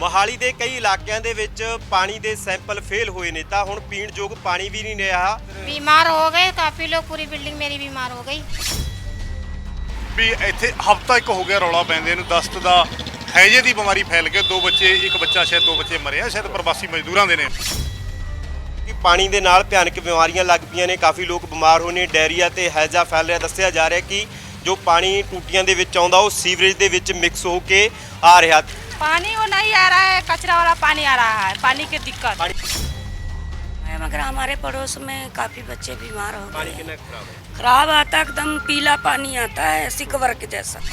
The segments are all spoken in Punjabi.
ਮੋਹਾਲੀ ਦੇ ਕਈ ਇਲਾਕਿਆਂ ਦੇ ਵਿੱਚ ਪਾਣੀ ਦੇ ਸੈਂਪਲ ਫੇਲ ਹੋਏ ਨੇ ਤਾਂ ਹੁਣ ਪੀਣ ਯੋਗ ਪਾਣੀ ਵੀ ਨਹੀਂ ਰਿਹਾ। बीमार हो गए काफी लोग, पूरी बिल्डिंग मेरी बीमार हो गई। ਵੀ ਇੱਥੇ ਹਫਤਾ ਇੱਕ ਹੋ ਗਿਆ ਰੌਲਾ ਪੈਂਦੇ ਨੂੰ ਦਸਤ ਦਾ ਹੈਜੇ ਦੀ ਬਿਮਾਰੀ ਫੈਲ ਕੇ ਦੋ ਬੱਚੇ, ਇੱਕ ਬੱਚਾ ਸ਼ਾਇਦ ਦੋ ਬੱਚੇ ਮਰੇ ਆ, ਸ਼ਾਇਦ ਪ੍ਰਵਾਸੀ ਮਜ਼ਦੂਰਾਂ ਦੇ ਨੇ। ਕਿ ਪਾਣੀ ਦੇ ਨਾਲ ਭਿਆਨਕ ਬਿਮਾਰੀਆਂ ਲੱਗ ਪਈਆਂ ਨੇ, ਕਾਫੀ ਲੋਕ ਬਿਮਾਰ ਹੋਏ ਨੇ, ਡਾਇਰੀਆ ਤੇ ਹੈਜਾ ਫੈਲ ਰਿਹਾ। ਦੱਸਿਆ ਜਾ ਰਿਹਾ ਕਿ ਜੋ ਪਾਣੀ ਟੂਟੀਆਂ ਦੇ ਵਿੱਚ ਆਉਂਦਾ ਉਹ ਸੀਵਰੇਜ ਦੇ ਵਿੱਚ ਮਿਕਸ ਹੋ ਕੇ ਆ ਰਿਹਾ। पानी वो नहीं आ रहा है, कचरा वाला पानी आ रहा है, पानी की दिक्कत। मगर हमारे पड़ोस में काफी बच्चे बीमार हो ਪਾਣੀ गए। ਕਿੰਨਾ ਖਰਾਬ ਹੈ। खराब आता है, एकदम पीला पानी आता है, सिकवर के जैसा।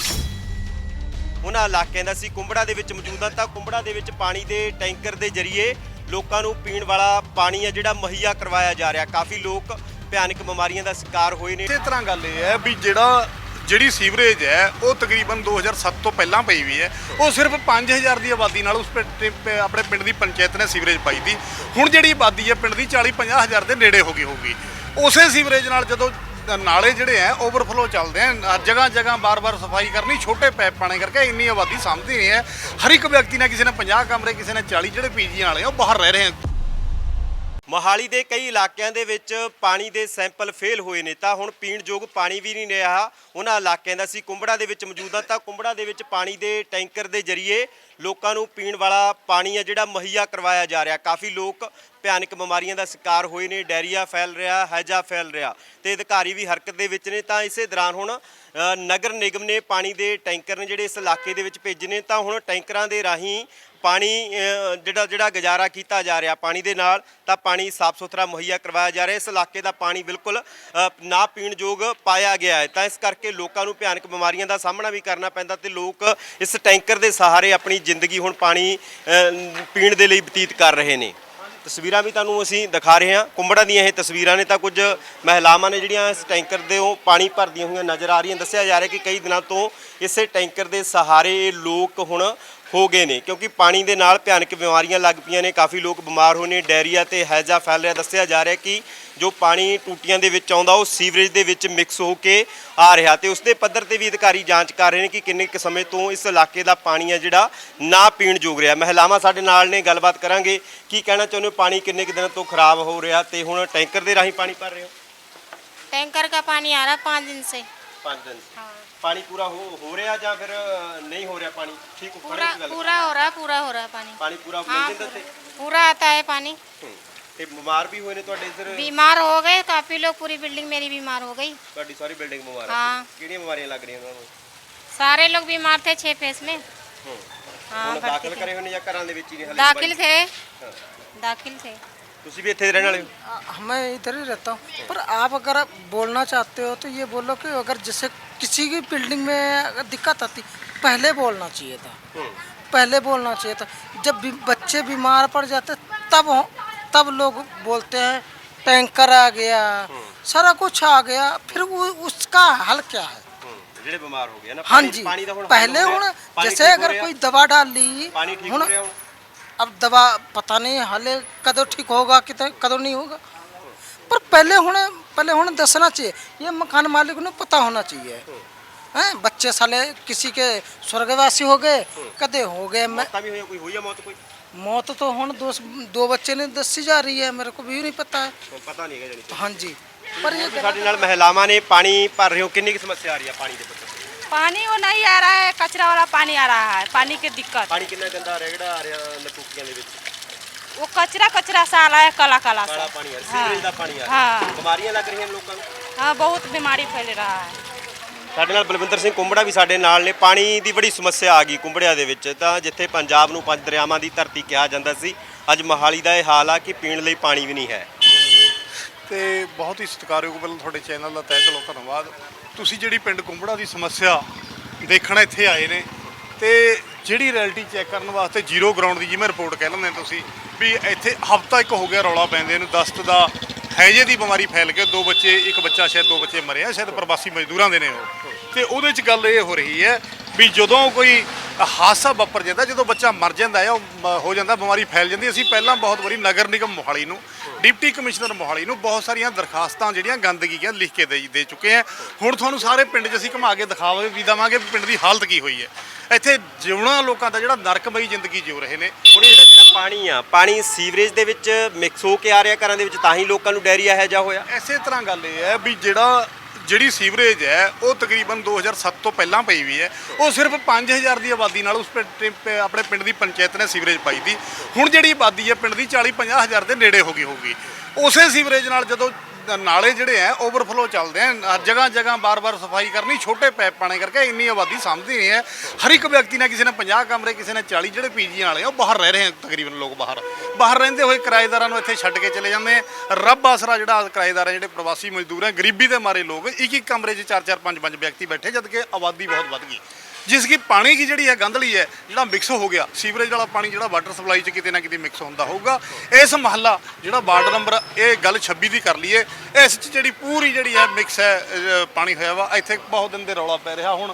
ਉਹਨਾਂ ਇਲਾਕਿਆਂ ਦਾ ਸੀ ਕੁੰਬੜਾ ਦੇ ਵਿੱਚ ਮੌਜੂਦ ਹਾਂ ਤਾਂ ਕੁੰਬੜਾ ਦੇ ਵਿੱਚ ਪਾਣੀ ਦੇ ਟੈਂਕਰ ਦੇ ਜ਼ਰੀਏ ਲੋਕਾਂ ਨੂੰ ਪੀਣ ਵਾਲਾ ਪਾਣੀ ਹੈ ਜਿਹੜਾ ਮੁਹੱਈਆ ਕਰਵਾਇਆ ਜਾ ਰਿਹਾ। ਕਾਫੀ ਲੋਕ ਭਿਆਨਕ ਬਿਮਾਰੀਆਂ ਦਾ ਸ਼ਿਕਾਰ ਹੋਏ ਨੇ। ਇਸੇ ਤਰ੍ਹਾਂ ਗੱਲ ਇਹ ਹੈ ਵੀ ਜਿਹੜੀ ਸੀਵਰੇਜ ਹੈ ਉਹ ਤਕਰੀਬਨ 2007 ਤੋਂ ਪਹਿਲਾਂ ਪਈ ਵੀ ਹੈ। ਉਹ ਸਿਰਫ 5000 ਦੀ ਆਬਾਦੀ ਨਾਲ ਉਸ ਆਪਣੇ ਪਿੰਡ ਦੀ ਪੰਚਾਇਤ ਨੇ ਸੀਵਰੇਜ ਪਾਈ ਦੀ। ਹੁਣ ਜਿਹੜੀ ਆਬਾਦੀ ਹੈ ਪਿੰਡ ਦੀ 40-50 ਹਜ਼ਾਰ ਦੇ ਨੇੜੇ ਹੋ ਗਈ ਹੋਊਗੀ। ਉਸੇ ਸੀਵਰੇਜ ਨਾਲ ਜਦੋਂ ਨਾਲੇ ਜਿਹੜੇ ਹੈ ਓਵਰਫਲੋ ਚੱਲਦੇ ਆ, ਜਗ੍ਹਾ ਜਗ੍ਹਾ ਬਾਰ-ਬਾਰ ਸਫਾਈ ਕਰਨੀ, ਛੋਟੇ ਪੈਪ ਪਾਣੇ ਕਰਕੇ ਇੰਨੀ ਆਬਾਦੀ ਸਮਝਦੀ ਨਹੀਂ ਹੈ। ਹਰ ਇੱਕ ਵਿਅਕਤੀ ਨੇ, ਕਿਸੇ ਨੇ 50 ਕਮਰੇ, ਕਿਸੇ ਨੇ 40, ਜਿਹੜੇ ਪੀਜੀ ਵਾਲੇ ਆ ਉਹ ਬਾਹਰ ਰਹਿ ਰਹੇ ਆ। ਮੋਹਾਲੀ ਦੇ ਕਈ ਇਲਾਕਿਆਂ ਦੇ ਵਿੱਚ ਪਾਣੀ ਦੇ ਸੈਂਪਲ ਫੇਲ ਹੋਏ ਨੇ ਤਾਂ ਹੁਣ ਪੀਣ ਯੋਗ ਪਾਣੀ ਵੀ ਨਹੀਂ ਰਿਹਾ। ਉਹਨਾਂ ਇਲਾਕਿਆਂ ਦਾ ਸੀ ਕੁੰਬੜਾ ਦੇ ਵਿੱਚ ਮੌਜੂਦ ਹਾਂ ਤਾਂ ਕੁੰਬੜਾ ਦੇ ਵਿੱਚ ਪਾਣੀ ਦੇ ਟੈਂਕਰ ਦੇ ਜ਼ਰੀਏ ਲੋਕਾਂ ਨੂੰ ਪੀਣ ਵਾਲਾ ਪਾਣੀ ਹੈ ਜਿਹੜਾ ਮੁਹੱਈਆ ਕਰਵਾਇਆ ਜਾ ਰਿਹਾ। ਕਾਫੀ ਲੋਕ ਭਿਆਨਕ ਬਿਮਾਰੀਆਂ ਦਾ ਸ਼ਿਕਾਰ ਹੋਏ ਨੇ, ਡਾਇਰੀਆ ਫੈਲ ਰਿਹਾ, ਹੈਜਾ ਫੈਲ ਰਿਹਾ ਤੇ ਅਧਿਕਾਰੀ ਵੀ ਹਰਕਤ ਦੇ ਵਿੱਚ ਨੇ। ਤਾਂ ਇਸੇ ਦੌਰਾਨ ਹੁਣ ਨਗਰ ਨਿਗਮ ਨੇ ਪਾਣੀ ਦੇ ਟੈਂਕਰ ਨੇ ਜਿਹੜੇ ਇਸ ਇਲਾਕੇ ਦੇ ਵਿੱਚ ਭੇਜੇ ਨੇ ਤਾਂ ਹੁਣ ਟੈਂਕਰਾਂ ਦੇ ਰਾਹੀਂ ਪਾਣੀ ਜਿਹੜਾ ਗੁਜ਼ਾਰਾ ਕੀਤਾ ਜਾ ਰਿਹਾ ਪਾਣੀ ਦੇ ਨਾਲ, ਤਾਂ ਪਾਣੀ ਸਾਫ਼ ਸੁਥਰਾ ਮੁਹੱਈਆ ਕਰਵਾਇਆ ਜਾ ਰਿਹਾ। ਇਸ ਇਲਾਕੇ ਦਾ ਪਾਣੀ ਬਿਲਕੁਲ ਨਾ ਪੀਣ ਯੋਗ ਪਾਇਆ ਗਿਆ ਹੈ ਤਾਂ ਇਸ ਕਰਕੇ ਲੋਕਾਂ ਨੂੰ ਭਿਆਨਕ ਬਿਮਾਰੀਆਂ ਦਾ ਸਾਹਮਣਾ ਵੀ ਕਰਨਾ ਪੈਂਦਾ ਤੇ ਲੋਕ ਇਸ ਟੈਂਕਰ ਦੇ ਸਹਾਰੇ ਆਪਣੀ ਜ਼ਿੰਦਗੀ ਹੁਣ ਪਾਣੀ ਪੀਣ ਦੇ ਲਈ ਬਤੀਤ ਕਰ ਰਹੇ ਨੇ। ਤਸਵੀਰਾਂ ਵੀ ਤੁਹਾਨੂੰ ਅਸੀਂ ਦਿਖਾ ਰਹੇ ਹਾਂ, ਕੁੰਬੜਾ ਦੀਆਂ ਇਹ ਤਸਵੀਰਾਂ ਨੇ ਤਾਂ ਕੁਝ ਮਹਿਲਾਵਾਂ ਨੇ ਜਿਹੜੀਆਂ ਇਸ ਟੈਂਕਰ ਦੇ ਉਹ ਪਾਣੀ ਭਰਦੀਆਂ ਹੋਈਆਂ ਨਜ਼ਰ ਆ ਰਹੀਆਂ। ਦੱਸਿਆ ਜਾ ਰਿਹਾ ਕਿ ਕਈ ਦਿਨਾਂ ਤੋਂ ਇਸੇ ਟੈਂਕਰ ਦੇ ਸਹਾਰੇ ਇਹ ਲੋਕ ਹੁਣ ਹੋ ਗਏ ਨੇ ਕਿਉਂਕਿ ਪਾਣੀ ਦੇ ਨਾਲ ਭਿਆਨਕ ਬਿਮਾਰੀਆਂ ਲੱਗ ਪਈਆਂ ਨੇ, ਕਾਫੀ ਲੋਕ ਬਿਮਾਰ ਹੋਏ ਨੇ, ਡਾਇਰੀਆ ਤੇ ਹੈਜਾ ਫੈਲ ਰਿਹਾ। ਦੱਸਿਆ ਜਾ ਰਿਹਾ ਕਿ ਜੋ ਪਾਣੀ ਟੂਟੀਆਂ ਦੇ ਵਿੱਚ ਆਉਂਦਾ ਉਹ ਸੀਵਰੇਜ ਦੇ ਵਿੱਚ ਮਿਕਸ ਹੋ ਕੇ ਆ ਰਿਹਾ ਤੇ ਉਸ ਦੇ ਪੱਧਰ ਤੇ ਵੀ ਅਧਿਕਾਰੀ ਜਾਂਚ ਕਰ ਰਹੇ ਨੇ ਕਿ ਕਿੰਨੇ ਕੁ ਸਮੇਂ ਤੋਂ ਇਸ ਇਲਾਕੇ ਦਾ ਪਾਣੀ ਹੈ ਜਿਹੜਾ ਨਾ ਪੀਣ ਯੋਗ ਰਿਹਾ। ਮਹਿਲਾਵਾਂ ਸਾਡੇ ਨਾਲ ਨੇ, ਗੱਲਬਾਤ ਕਰਾਂਗੇ। ਕੀ ਕਹਿਣਾ ਚਾਹੁੰਦੇ ਹੋ, ਪਾਣੀ ਕਿੰਨੇ ਕੁ ਦਿਨਾਂ ਤੋਂ ਖਰਾਬ ਹੋ ਰਿਹਾ ਤੇ ਹੁਣ ਟੈਂਕਰ ਦੇ ਰਾਹੀਂ ਪਾਣੀ ਭਰ ਰਹੇ ਹੋ? टैंकर का पानी आ रहा 5 दिन से। 5 दिन पानी पूरा हो रहा ਜਾਂ ਫਿਰ नहीं हो रहा पानी? ठीक हो पूरा पूरा हो रहा है पानी। पानी पूरा हाँ, मिल ਜਾਂਦਾ पूरा आता है पानी। ਤੇ ਬਿਮਾਰ ਵੀ ਹੋਏ ਨੇ ਤੁਹਾਡੇ ਇੱਧਰ? बीमार हो गए काफी लोग, पूरी बिल्डिंग मेरी बीमार हो गई। ਤੁਹਾਡੀ ਸਾਰੀ ਬਿਲਡਿੰਗ ਬਿਮਾਰ ਹੈ। हाँ। ਕਿਹੜੀਆਂ ਬਿਮਾਰੀਆਂ ਲੱਗ ਰਹੀਆਂ ਉਹਨਾਂ ਨੂੰ? सारे लोग बीमार थे 6 फेस में। हाँ, ਹੁਣ भर्ती ਦਾਖਲ थे। ਕਰੇ ਹੋਏ ਨੇ ਜਾਂ ਘਰਾਂ ਦੇ ਵਿੱਚ ਹੀ ਨੇ? दाखिल थे, ਹਾਂ। दाखिल थे। ਤੁਸੀਂ ਵੀ ਇੱਥੇ ਦੇ ਰਹਿਣ ਵਾਲੇ ਹੋ? मैं इधर ही रहता हूँ, पर आप अगर बोलना चाहते हो तो ये बोलो कि अगर जैसे किसी की बिल्डिंग में अगर दिक्कत आती पहले बोलना चाहिए था। पहले बोलना चाहिए था। जब बच्चे बीमार पड़ जाते तब लोग बोलते हैं टैंकर आ गया, सारा कुछ आ गया, फिर वो उसका हल क्या है? ਜਿਹੜੇ ਬਿਮਾਰ ਹੋ ਗਏ ਨਾ हाँ जी, ਪਾਣੀ ਦਾ ਹੁਣ पहले हूँ जैसे अगर कोई दवा डाल ली, ਪਾਣੀ ਠੀਕ ਹੋ ਰਿਹਾ ਹੁਣ? अब दवा पता नहीं हाले कदों ठीक होगा कितने कदों नहीं होगा, पर पहले होने दसना चाहिए। ये मकान मालिक को पता होना चाहिए। हैं बच्चे साले किसी के स्वर्गवासी हो गए, कदे हो गए। ਮੌਤਾਂ ਵੀ ਹੋਈਆਂ, ਕੋਈ ਹੋਈ ਆ ਮੌਤ? ਕੋਈ मौत तो हूँ दो बच्चे ने दसी जा रही है, मेरे को भी नहीं पता है। ਹੁਣ ਪਤਾ ਨਹੀਂ ਹੈਗਾ ਜਾਨੀ हाँ जी, पर ये ਸਾਡੇ ਨਾਲ ਮਹਿਲਾਵਾਂ ਨੇ ਪਾਣੀ ਭਰ ਰਹੇ ਹੋ, ਕਿੰਨੀ ਕੁ ਸਮੱਸਿਆ ਆ ਰਹੀ ਹੈ ਪਾਣੀ ਦੇ ਪੱਧਰ ਤੇ? पानी वो नहीं आ रहा है, कचरा वाला पानी आ रहा है, पानी की दिक्कत। ਪਾਣੀ ਕਿੰਨਾ ਗੰਦਾ ਰੇਗੜਾ ਆ ਰਿਹਾ ਨਟੂਕੀਆਂ ਦੇ ਵਿੱਚ? वो कचरा सा आ रहा है, काला काला ਕਾਲਾ सा। ਪਾਣੀ ਆ ਰਿਹਾ, ਸੀਵਰੇਜ ਦਾ ਪਾਣੀ ਆ ਰਿਹਾ। हाँ। ਬਿਮਾਰੀਆਂ ਲੱਗ ਰਹੀਆਂ ਨੇ ਲੋਕਾਂ ਨੂੰ। हाँ, बहुत बीमारी फैल रहा है। ਸਾਡੇ ਨਾਲ ਬਲਵਿੰਦਰ ਸਿੰਘ ਕੁੰਬੜਾ ਵੀ ਸਾਡੇ ਨਾਲ ਨੇ। ਪਾਣੀ ਦੀ ਬੜੀ ਸਮੱਸਿਆ ਆ ਗਈ ਕੁੰਬੜਿਆਂ ਦੇ ਵਿੱਚ ਤਾਂ ਜਿੱਥੇ ਪੰਜਾਬ ਨੂੰ 5 ਦਰਿਆਵਾਂ ਦੀ ਧਰਤੀ ਕਿਹਾ ਜਾਂਦਾ ਸੀ, ਅੱਜ ਮੋਹਾਲੀ ਦਾ ਇਹ ਹਾਲ ਆ ਕਿ ਪੀਣ ਲਈ ਪਾਣੀ ਵੀ ਨਹੀਂ ਹੈ। ਤੇ ਬਹੁਤ ਹੀ ਸਤਿਕਾਰਯੋਗ ਵੱਲੋਂ ਤੁਹਾਡੇ ਚੈਨਲ ਦਾ ਤਹਿ ਦਿਲੋਂ ਧੰਨਵਾਦ। ਤੁਸੀਂ ਜਿਹੜੀ ਪਿੰਡ ਕੁੰਬੜਾ ਦੀ ਸਮੱਸਿਆ ਦੇਖਣ ਇੱਥੇ ਆਏ ਨੇ ਤੇ ਜਿਹੜੀ ਰਿਐਲਿਟੀ ਚੈੱਕ ਕਰਨ ਵਾਸਤੇ ਜ਼ੀਰੋ ਗਰਾਊਂਡ ਦੀ ਜਿਵੇਂ ਰਿਪੋਰਟ ਕਹਿ ਲੈਂਦੇ ਤੁਸੀਂ ਵੀ ਇੱਥੇ ਹਫਤਾ ਇੱਕ ਹੋ ਗਿਆ ਰੌਲਾ ਪੈਂਦੇ ਨੂੰ ਦਸਤ ਦਾ ਹੈਜੇ ਦੀ ਬਿਮਾਰੀ ਫੈਲ ਕੇ ਦੋ ਬੱਚੇ, ਇੱਕ ਬੱਚਾ ਸ਼ਾਇਦ ਦੋ ਬੱਚੇ ਮਰੇ ਆ, ਸ਼ਾਇਦ ਪ੍ਰਵਾਸੀ ਮਜ਼ਦੂਰਾਂ ਦੇ ਨੇ ਉਹ। ਤੇ ਉਹਦੇ 'ਚ ਗੱਲ ਇਹ ਹੋ ਰਹੀ ਹੈ ਵੀ ਜਦੋਂ ਕੋਈ ਹਾਦਸਾ ਵਾਪਰ ਜਾਂਦਾ, ਜਦੋਂ ਬੱਚਾ ਮਰ ਜਾਂਦਾ ਹੈ, ਉਹ ਹੋ ਜਾਂਦਾ, ਬਿਮਾਰੀ ਫੈਲ ਜਾਂਦੀ। ਅਸੀਂ ਪਹਿਲਾਂ ਬਹੁਤ ਵਾਰੀ ਨਗਰ ਨਿਗਮ ਮੋਹਾਲੀ ਨੂੰ, ਡਿਪਟੀ ਕਮਿਸ਼ਨਰ ਮੋਹਾਲੀ ਨੂੰ ਬਹੁਤ ਸਾਰੀਆਂ ਦਰਖਾਸਤਾਂ ਜਿਹੜੀਆਂ ਗੰਦਗੀ ਦੀਆਂ ਲਿਖ ਕੇ ਦੇ ਚੁੱਕੇ ਹਾਂ। ਹੁਣ ਤੁਹਾਨੂੰ ਸਾਰੇ ਪਿੰਡ 'ਚ ਅਸੀਂ ਘੁਮਾ ਕੇ ਦਿਖਾਵੇ ਵੀ ਦੇਵਾਂਗੇ ਪਿੰਡ ਦੀ ਹਾਲਤ ਕੀ ਹੋਈ ਹੈ। ਇੱਥੇ ਜਿਉਣਾ ਲੋਕਾਂ ਦਾ ਜਿਹੜਾ ਨਰਕਮਈ ਜ਼ਿੰਦਗੀ ਜਿਉ ਰਹੇ ਨੇ। ਹੁਣ ਇਹ ਜਿਹੜਾ ਪਾਣੀ ਆ, ਪਾਣੀ ਸੀਵਰੇਜ ਦੇ ਵਿੱਚ ਮਿਕਸ ਹੋ ਕੇ ਆ ਰਿਹਾ ਘਰਾਂ ਦੇ ਵਿੱਚ, ਤਾਂ ਹੀ ਲੋਕਾਂ ਨੂੰ ਡਾਇਰੀਆ ਹੈ ਜਾਂ ਹੋਇਆ। ਇਸੇ ਤਰ੍ਹਾਂ ਗੱਲ ਇਹ ਹੈ ਵੀ ਜਿਹੜੀ ਸੀਵਰੇਜ ਹੈ ਉਹ ਤਕਰੀਬਨ 2007 ਤੋਂ ਪਹਿਲਾਂ ਪਈ ਵੀ ਹੈ। ਉਹ ਸਿਰਫ 5000 ਦੀ ਆਬਾਦੀ ਨਾਲ ਆਪਣੇ ਪਿੰਡ ਦੀ ਪੰਚਾਇਤ ਨੇ ਸੀਵਰੇਜ ਪਾਈ ਸੀ। ਹੁਣ ਜਿਹੜੀ ਆਬਾਦੀ ਹੈ ਪਿੰਡ ਦੀ 40-50 ਹਜ਼ਾਰ ਦੇ ਨੇੜੇ ਹੋ ਗਈ ਹੋਊਗੀ। ਉਸੇ ਸੀਵਰੇਜ ਨਾਲ ਜਦੋਂ ਨਾਲੇ ਜਿਹੜੇ ਆ ਓਵਰਫਲੋ ਚੱਲਦੇ ਆ, ਜਗ੍ਹਾ ਜਗ੍ਹਾ ਬਾਰ-ਬਾਰ ਸਫਾਈ ਕਰਨੀ, ਛੋਟੇ ਪੈਪ ਪਾਣੇ ਕਰਕੇ ਇੰਨੀ ਆਬਾਦੀ ਸਮਝਦੀ ਨਹੀਂ ਹੈ। ਹਰ ਇੱਕ ਵਿਅਕਤੀ ਨੇ, ਕਿਸੇ ਨੇ 50 ਕਮਰੇ, ਕਿਸੇ ਨੇ 40, ਜਿਹੜੇ ਪੀਜੀ ਵਾਲੇ ਆ ਉਹ ਬਾਹਰ ਰਹਿ ਰਹੇ ਆ। ਤਕਰੀਬਨ ਲੋਕ ਬਾਹਰ ਰਹਿੰਦੇ ਹੋਏ ਕਿਰਾਏਦਾਰਾਂ ਨੂੰ ਇੱਥੇ ਛੱਡ ਕੇ ਚਲੇ ਜਾਂਦੇ ਆ। ਰੱਬ ਆਸਰਾ ਜਿਹੜਾ ਕਿਰਾਏਦਾਰ ਆ, ਜਿਹੜੇ ਪ੍ਰਵਾਸੀ ਮਜ਼ਦੂਰ ਆ, ਗਰੀਬੀ ਦੇ ਮਾਰੇ ਲੋਕ ਇੱਕ ਕਮਰੇ 'ਚ 4-4 5-5 ਵਿਅਕਤੀ ਬੈਠੇ, ਜਦ ਕਿ ਆਬਾਦੀ ਬਹੁਤ ਵੱਧ ਗਈ। ਜਿਸ ਕੀ ਪਾਣੀ ਕੀ ਜਿਹੜੀ ਹੈ ਗੰਧਲੀ ਹੈ, ਜਿਹੜਾ ਮਿਕਸ ਹੋ ਗਿਆ, ਸੀਵਰੇਜ ਵਾਲਾ ਪਾਣੀ ਜਿਹੜਾ ਵਾਟਰ ਸਪਲਾਈ 'ਚ ਕਿਤੇ ਨਾ ਕਿਤੇ ਮਿਕਸ ਹੁੰਦਾ ਹੋਊਗਾ। ਇਸ ਮਹੱਲਾ ਜਿਹੜਾ ਵਾਰਡ ਨੰਬਰ ਇਹ ਗੱਲ 26 ਦੀ ਕਰ ਲਈਏ, ਇਸ 'ਚ ਜਿਹੜੀ ਪੂਰੀ ਜਿਹੜੀ ਹੈ ਮਿਕਸ ਹੈ ਪਾਣੀ ਹੋਇਆ ਵਾ। ਇੱਥੇ ਬਹੁਤ ਦਿਨ ਦੇ ਰੌਲਾ ਪੈ ਰਿਹਾ। ਹੁਣ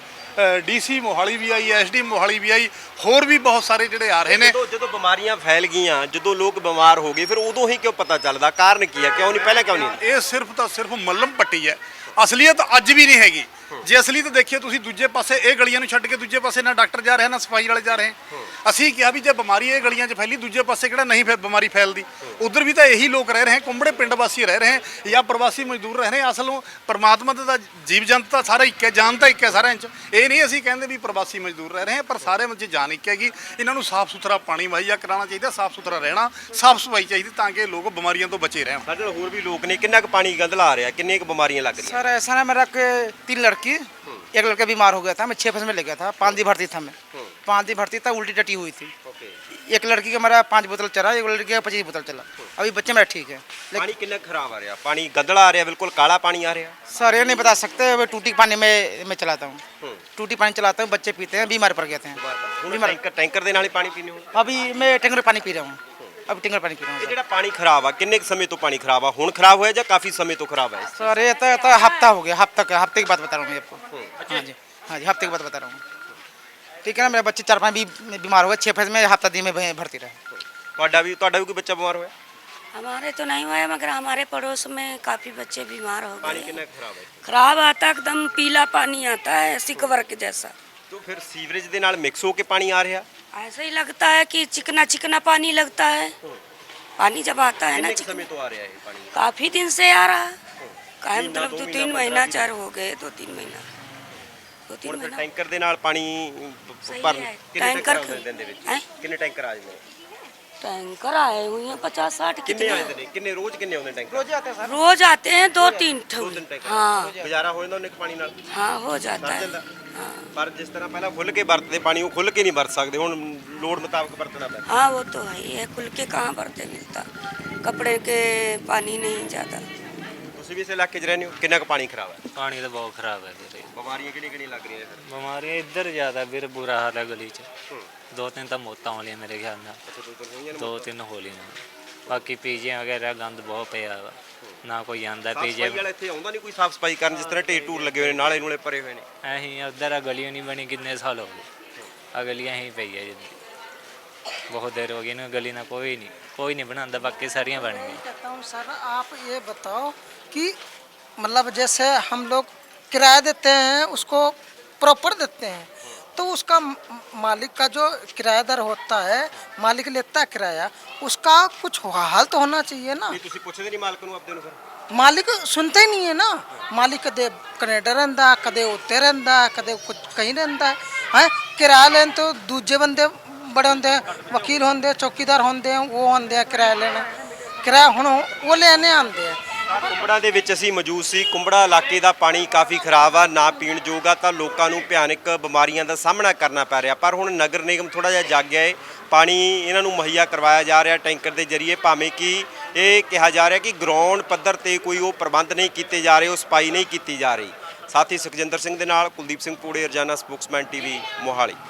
DC ਮੋਹਾਲੀ ਵੀ ਆਈ, SD ਮੋਹਾਲੀ ਵੀ ਆਈ, ਹੋਰ ਵੀ ਬਹੁਤ ਸਾਰੇ ਜਿਹੜੇ ਆ ਰਹੇ ਨੇ। ਜਦੋਂ ਬਿਮਾਰੀਆਂ ਫੈਲ ਗਈਆਂ, ਜਦੋਂ ਲੋਕ ਬਿਮਾਰ ਹੋ ਗਏ, ਫਿਰ ਉਦੋਂ ਹੀ ਕਿਉਂ ਪਤਾ ਚੱਲਦਾ? ਕਾਰਨ ਕੀ ਹੈ? ਕਿਉਂ ਨਹੀਂ ਪਹਿਲਾਂ ਕਿਉਂ ਨਹੀਂ? ਇਹ ਸਿਰਫ ਤਾਂ ਸਿਰਫ ਮੱਲਮ ਪੱਟੀ ਹੈ, ਅਸਲੀਅਤ ਅੱਜ ਵੀ ਨਹੀਂ ਹੈਗੀ। ਜੇ ਅਸਲੀਅਤ ਦੇਖੀਏ ਤੁਸੀਂ, ਦੂਜੇ ਪਾਸੇ ਇਹ ਗਲੀਆਂ ਨੂੰ ਛੱਡ ਕੇ ਦੂਜੇ ਪਾਸੇ ਨਾ ਡਾਕਟਰ ਜਾ ਰਹੇ, ਨਾ ਸਫਾਈ ਵਾਲੇ ਜਾ ਰਹੇ। ਅਸੀਂ ਕਿਹਾ ਵੀ ਜੇ ਬਿਮਾਰੀ ਇਹ ਗਲੀਆਂ 'ਚ ਫੈਲੀ, ਦੂਜੇ ਪਾਸੇ ਕਿਹੜਾ ਨਹੀਂ ਬਿਮਾਰੀ ਫੈਲਦੀ? ਉਧਰ ਵੀ ਤਾਂ ਇਹੀ ਲੋਕ ਰਹਿ ਰਹੇ, ਕੁੰਬੜੇ ਪਿੰਡ ਵਾਸੀ ਰਹਿ ਰਹੇ ਜਾਂ ਪ੍ਰਵਾਸੀ ਮਜ਼ਦੂਰ ਰਹਿ ਰਹੇ। ਅਸਲੋਂ ਪਰਮਾਤਮਾ ਦਾ ਜੀਵ ਜੰਤ ਤਾਂ ਸਾਰਾ ਇੱਕ ਹੈ, ਜਾਨ ਤਾਂ ਇੱਕ ਹੈ ਸਾਰਿਆਂ 'ਚ। ਇਹ ਨਹੀਂ ਅਸੀਂ ਕਹਿੰਦੇ ਵੀ ਪ੍ਰਵਾਸੀ ਮਜ਼ਦੂਰ ਰਹਿ ਰਹੇ, ਪਰ ਸਾਰੇ ਵਿੱਚ ਜਾਨ ਇੱਕ ਹੈਗੀ। ਇਹਨਾਂ ਨੂੰ ਸਾਫ਼ ਸੁਥਰਾ ਪਾਣੀ ਮੁਹੱਈਆ ਕਰਾਉਣਾ ਚਾਹੀਦਾ, ਸਾਫ਼ ਸੁਥਰਾ ਰਹਿਣਾ, ਸਾਫ਼ ਸਫਾਈ ਚਾਹੀਦੀ, ਤਾਂ ਕਿ ਲੋਕ ਬਿਮਾਰੀਆਂ ਤੋਂ ਬਚੇ ਰਹਿਣ। ਸਾਡੇ ਨਾਲ ਹੋਰ ਵੀ ਲੋਕ ਨੇ। ਕਿੰਨਾ ਕੁ ਪਾਣੀ ਗੰਧਲਾ ਆ ਰਿਹਾ, ਕਿੰਨੀਆਂ ਕੁ ਬਿਮਾਰੀਆਂ ਲੱਗ ਰਹੀਆਂ? सर ऐसा ना, मेरा के 3 लड़की, एक लड़का बीमार हो गया था, मैं 6 फस में ले गया था। 5 दिन भर्ती था, मैं 5 दिन भर्ती था, उल्टी टटी हुई थी। एक लड़की का मेरा 5 बोतल चला, एक लड़की का 25 बोतल चला। अभी बच्चे मेरा ठीक है। ਪਾਣੀ ਕਿੰਨਾ ਖਰਾਬ ਆ ਰਿਹਾ? ਪਾਣੀ ਗੰਧਲਾ ਆ ਰਿਹਾ, ਬਿਲकुल ਕਾਲਾ ਪਾਣੀ ਆ ਰਿਹਾ। सर ये नहीं बता सकते, मैं टूटी पानी में मैं चलाता हूँ, टूटी पानी चलाता हूँ, बच्चे पीते हैं, बीमार पड़ गए थे। ਹੁਣ ਟੈਂਕਰ ਦੇ ਨਾਲ ਹੀ ਪਾਣੀ ਪੀਣੇ ਹੋ? अभी मैं टैंकर पानी पी रहा हूँ, अभी टैंकर पानी पी रहा हूँ। ਇਹ ਜਿਹੜਾ ਪਾਣੀ ਖਰਾਬ ਆ, ਕਿੰਨੇ ਕੁ ਸਮੇਂ ਤੋਂ ਪਾਣੀ ਖਰਾਬ ਆ? ਹੁਣ ਖਰਾਬ ਹੋਇਆ ਜਾਂ ਕਾਫੀ ਸਮੇਂ ਤੋਂ ਖਰਾਬ ਹੈ? सर ये तो हफ्ता हो गया, हफ्ते की बात बता रहा हूँ मैं आपको। हाँ जी, हफ्ते की बात बता रहा हूँ। ठीक है ना, मेरे बच्चे 4-5 भी बीमार हो गए, 6 फस में हफ्ता दिन में भर्ती रहे। ਤੁਹਾਡਾ ਵੀ ਕੋਈ ਬੱਚਾ ਬਿਮਾਰ ਹੋਇਆ? हमारे तो नहीं हुआ है, मगर हमारे पड़ोस में काफ़ी बच्चे बीमार हो पानी गए। कितना खराब है? खराब आता, एकदम पीला पानी आता है, सिकवर के जैसा। तो फिर सीवरेज ਦੇ ਨਾਲ ਮਿਕਸ ਹੋ ਕੇ ਪਾਣੀ ਆ ਰਿਹਾ? ऐसा ही लगता है कि चिकना चिकना पानी लगता है। पानी जब आता है ना, कितने समय तो आ रहा है ये पानी? काफ़ी दिन से आ रहा है। काहे मतलब 2-3 महीना 4 हो गए, 2-3 महीना, 2-3 ਹੁਣ ਫਿਰ महीना। ਟੈਂਕਰ ਦੇ ਨਾਲ ਪਾਣੀ ਸਹੀ ਭਰਨ ਹੈ। ਕਿੰਨੇ ਟੈਂਕਰ ਟੈਂਕਰ ਆਉਂਦੇ ਦਿਨ ਦੇ ਵਿੱਚ? ਹੈਂ? ਕਿੰਨੇ ਟੈਂਕਰ ਆ ਜਾਂਦੇ ਨੇ? टैंकर आए हुए हैं 50-60 ਕਿੰਨੇ ਆ कितने। ਜਾਂਦੇ ਨੇ? ਕਿੰਨੇ ਰੋਜ਼ ਕਿੰਨੇ ਆਉਂਦੇ ਟੈਂਕਰ? रोज आते हैं सर। रोज आते हैं 2-3 ਦੋ ਤਿੰਨ ਟੈਂਕਰ? हाँ ਗੁਜ਼ਾਰਾ ਹੋ ਜਾਂਦਾ ਉਹਨੇ ਪਾਣੀ ਨਾਲ? हाँ हो जाता ਸਰ है। ਜਾਂਦਾ। हाँ ਪਰ ਜਿਸ ਤਰ੍ਹਾਂ ਪਹਿਲਾਂ ਖੁੱਲ ਕੇ ਵਰਤਦੇ ਪਾਣੀ, ਉਹ ਖੁੱਲ ਕੇ ਨਹੀਂ ਵਰਤ ਸਕਦੇ, ਹੁਣ ਲੋੜ ਮੁਤਾਬਕ ਵਰਤਣਾ ਪੈਂਦਾ। हाँ वो तो है ही है, खुल के कहाँ भरते मिलता, कपड़े के पानी नहीं ज़्यादा। ਤੁਸੀਂ ਵੀ ਇਸ ਇਲਾਕੇ 'ਚ ਰਹਿੰਦੇ ਹੋ, ਕਿੰਨਾ ਕੁ ਪਾਣੀ ਖਰਾਬ ਹੈ? ਪਾਣੀ ਤਾਂ ਬਹੁਤ ਖਰਾਬ ਹੈ ਵੀਰੇ। ਬਿਮਾਰੀਆਂ ਕਿਹੜੀਆਂ ਲੱਗ ਰਹੀਆਂ ਫਿਰ? ਬਿਮਾਰੀਆਂ ਇੱਧਰ ਜ਼ਿਆਦਾ ਵੀਰ, ਬੁਰਾ ਹਾਲ ਹੈ ਗਲੀ 'ਚ। 2-3 ਤਾਂ ਮੌਤਾਂ ਹੋਲੀਆਂ ਮੇਰੇ ਖਿਆਲ ਨਾਲ, 2-3 ਹੋਲੀਆਂ। ਬਾਕੀ ਪੀਜੀਆਂ ਵਗੈਰਾ ਗੰਦ ਬਹੁਤ ਪਿਆ ਵਾ, ਨਾ ਕੋਈ ਆਂਦਾ ਪੀਜੇ। ਸਫਾਈ ਵਾਲਾ ਇੱਥੇ ਆਉਂਦਾ ਨਹੀਂ ਕੋਈ ਸਾਫ ਸਫਾਈ ਕਰਨ? ਜਿਸ ਤਰ੍ਹਾਂ ਢੇਰ ਢੂਰ ਲੱਗੇ ਹੋਏ ਨੇ, ਨਾਲੇ ਨੂਲੇ ਭਰੇ ਹੋਏ ਨੇ। ਐਹੀਂ ਉੱਧਰ ਆ ਗਲੀਆਂ ਨਹੀਂ ਬਣੀ, ਕਿੰਨੇ ਸਾਲ ਹੋ ਗਏ, ਆ ਗਲੀਆਂ ਹੀ ਪਈ ਹੈ ਜਿੱਦੀ बहुत देर हो गई ना, गली ना कोई नहीं बनाता, बाकी सारियाँ बन गई। कहता हूँ सर, आप ये बताओ कि मतलब जैसे हम लोग किराया देते हैं, उसको प्रॉपर देते हैं, तो उसका मालिक का जो किराएदार होता है, मालिक लेता है किराया, उसका कुछ हाल तो होना चाहिए ना। ਇਹ ਤੁਸੀਂ ਪੁੱਛਦੇ ਨਹੀਂ ਮਾਲਕ ਨੂੰ ਆਪਦੇ ਨੂੰ ਫਿਰ? मालिक सुनते ही नहीं है ना। मालिक कदे कनेडा रहिंदा, कदे उत्ते रहिंदा, कदे कुछ कहीं रहिंदा है। किराया लेन तो दूजे बंदे बड़े होंगे, वकील होंगे, चौकीदार होंगे, वो होंगे किराया लेना, किराया हुण वो लेने आते हैं। ਕੁੰਬੜਾ ਦੇ ਵਿੱਚ ਅਸੀਂ ਮੌਜੂਦ ਸੀ। ਕੁੰਬੜਾ ਇਲਾਕੇ ਦਾ ਪਾਣੀ ਕਾਫੀ ਖਰਾਬ ਆ, ਨਾ ਪੀਣ ਯੋਗ ਆ, ਤਾਂ ਲੋਕਾਂ ਨੂੰ ਭਿਆਨਕ ਬਿਮਾਰੀਆਂ ਦਾ ਸਾਹਮਣਾ ਕਰਨਾ ਪੈ ਰਿਹਾ। ਪਰ ਹੁਣ ਨਗਰ ਨਿਗਮ ਥੋੜਾ ਜਿਹਾ ਜਾਗ ਗਿਆ ਹੈ, ਪਾਣੀ ਇਹਨਾਂ ਨੂੰ ਮੁਹੱਈਆ ਕਰਵਾਇਆ ਜਾ ਰਿਹਾ ਟੈਂਕਰ ਦੇ ਜ਼ਰੀਏ, ਭਾਵੇਂ ਕਿ ਇਹ ਕਿਹਾ ਜਾ ਰਿਹਾ ਕਿ ਗਰਾਊਂਡ ਪੱਧਰ ਤੇ ਕੋਈ ਉਹ ਪ੍ਰਬੰਧ ਨਹੀਂ ਕੀਤੇ ਜਾ ਰਹੇ, ਉਹ ਸਫਾਈ ਨਹੀਂ ਕੀਤੀ ਜਾ ਰਹੀ। ਸਾਥੀ ਸੁਖਜਿੰਦਰ ਸਿੰਘ ਦੇ ਨਾਲ ਕੁਲਦੀਪ ਸਿੰਘ ਪੂੜੇ, ਰੋਜ਼ਾਨਾ ਸਪੋਕਸਮੈਨ TV ਮੋਹਾਲੀ।